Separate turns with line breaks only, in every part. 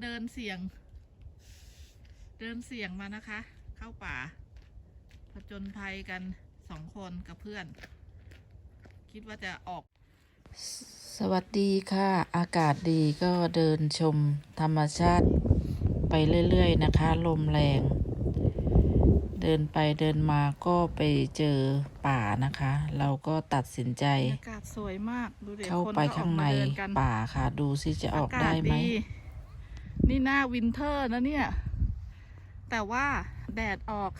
เดินเสี่ยงมานะคะ เข้าป่าผจญภัยกัน2 คนกับเพื่อน คิดว่าจะออก
สวัสดีค่ะอากาศดีก็เดินชมธรรมชาติไปเรื่อยๆนะคะลมแรงเดินไปเดินมาก็ไปเจอป่านะคะเราก็ตัดสินใจ
อากาศสวยมากดูเด็ก
เข้า
คน
ไป
ก็ออ
ข้าก ง
มา
ใน
เดินกัน
ป่าค่ะดูสิจะออก
ากา
ได้
ศ
ไหม
นี่หน้าวินเทอร์นะเนี่ย แต่ว่าแดดออก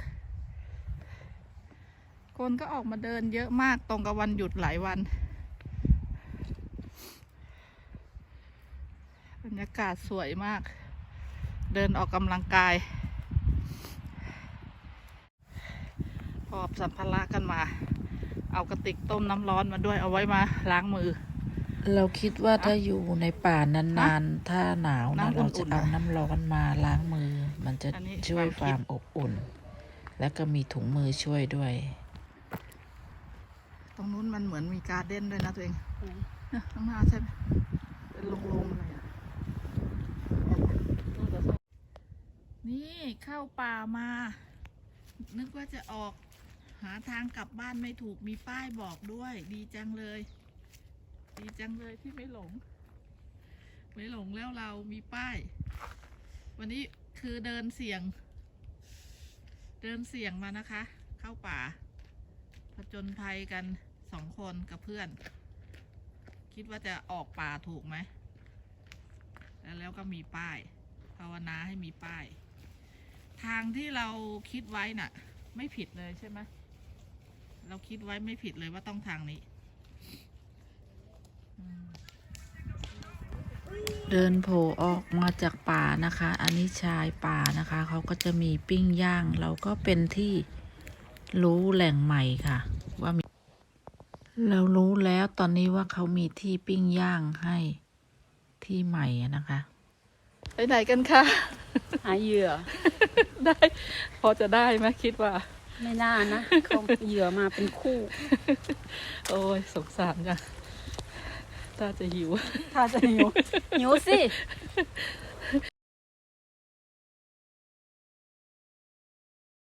คนก็ออกมาเดินเยอะมากตรงกับวันหยุดหลายวันบรรยากาศสวยมาก เดินออกกำลังกายหอบสัมภาระกันมา เอากระติกต้มน้ำร้อนมาด้วยเอาไว้มาล้างมือ
เราคิดว่าถ้าอยู่ในป่านานๆถ้าหนาวนะ
น้ำอุ่
เรา
นๆ
จะเอาน้ำร้อนมาล้างมือมันจะ
อันนี้
ช่วย
ความคิด
ความอบอุ่น และก็มีถุงมือช่วยด้วย
ตรงนู้นมันเหมือนมีการ์เด้นด้วยนะตัวเองเนี่ยข้างหน้าใช่ไหมเป็นโล่งๆเลยอะนี่เข้าป่ามา นึกว่าจะออกหาทางกลับบ้านไม่ถูกมีป้ายบอกด้วย ดีจังเลย ดีจังเลยที่ไม่หลงแล้วเรามีป้าย วันนี้คือเดินเสี่ยงมานะคะ เข้าป่าผจญภัยกัน2 คนกับเพื่อน คิดว่าจะออกป่าถูกไหมแล้วก็มีป้ายภาวนาให้มีป้าย ทางที่เราคิดไว้น่ะ ไม่ผิดเลยใช่ไหมเราคิดไว้ไม่ผิดเลยว่าต้องทางนี้
เดินโผล่ออกมาจากป่านะคะ อันนี้ชายป่านะคะเขาก็จะมีปิ้งย่าง เราก็เป็นที่รู้แหล่งใหม่ค่ะ ว่ามีเรารู้แล้วตอนนี้ว่าเขามีที่ปิ้งย่างให้ที่ใหม่อะนะคะ
ไปไหนกันคะ
หาเหยื่อ
ได้ พอจะได้ไหมคิดว่า
ไม่น่านะเขาเหยื่อมาเป็นคู่
โอ้ยสงสารจังถ้าจะหิว
ถ้าจะหิว หิวสิ